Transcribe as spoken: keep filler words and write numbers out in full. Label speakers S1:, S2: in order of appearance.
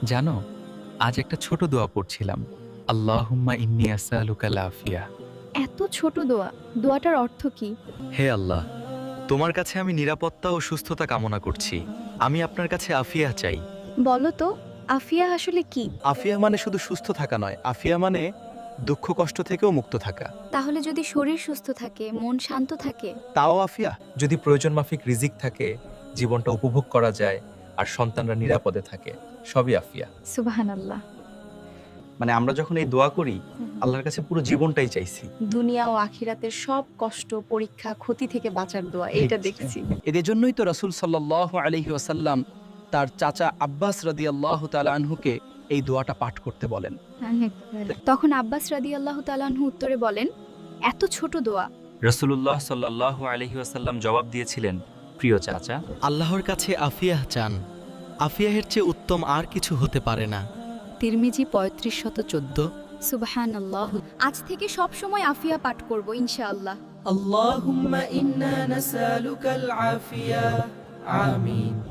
S1: জানো, আজ একটা ছোট দোয়া পড়ছিলাম। আল্লাহুম্মা ইন্নী আসআলুকাল আফিয়া।
S2: এত ছোট দোয়া, দোয়াটার অর্থ কি?
S1: হে আল্লাহ, তোমার কাছে আমি নিরাপত্তা ও সুস্থতা কামনা করছি। আমি আপনার কাছে আফিয়া চাই।
S2: বলো তো, আফিয়া আসলে কি?
S3: আফিয়া মানে শুধু সুস্থ থাকা নয়, আফিয়া মানে দুঃখ কষ্ট থেকেও মুক্ত থাকা।
S2: তাহলে যদি শরীর সুস্থ থাকে, মন শান্ত থাকে,
S3: তাও আফিয়া।
S1: যদি প্রয়োজন মাফিক রিজিক থাকে, জীবনটা উপভোগ করা যায়, আর সন্তানরা নিরাপদে থাকে, সবই আফিয়া।
S2: সুবহানাল্লাহ।
S3: মানে আমরা যখন এই দোয়া করি, আল্লাহর কাছে পুরো জীবনটাই চাইছি।
S2: দুনিয়া ও আখিরাতের সব কষ্ট, পরীক্ষা, ক্ষতি থেকে বাঁচার দোয়া, এইটা দেখছি।
S3: এদের জন্যই তো রাসূল সাল্লাল্লাহু আলাইহি ওয়াসাল্লাম তার চাচা আব্বাস রাদিয়াল্লাহু তাআলা আনহুকে এই দোয়াটা পাঠ করতে বলেন।
S2: তখন আব্বাস রাদিয়াল্লাহু তাআলা আনহু উত্তরে বলেন, এত ছোট দোয়া।
S1: রাসূলুল্লাহ সাল্লাল্লাহু আলাইহি ওয়াসাল্লাম জবাব দিয়েছিলেন, প্রিয় চাচা,
S4: আল্লাহর কাছে আফিয়াহ চান। আফিয়াহের চেয়ে উত্তম আর কিছু হতে পারে না।
S2: তিরমিজি পঁয়ত্রিশ শত চোদ্দ। সুবহানাল্লাহ। আজ থেকে সব সময় আফিয়া পাঠ করব ইনশাআল্লাহ।
S5: اللهم إنا نسألك العافية آمين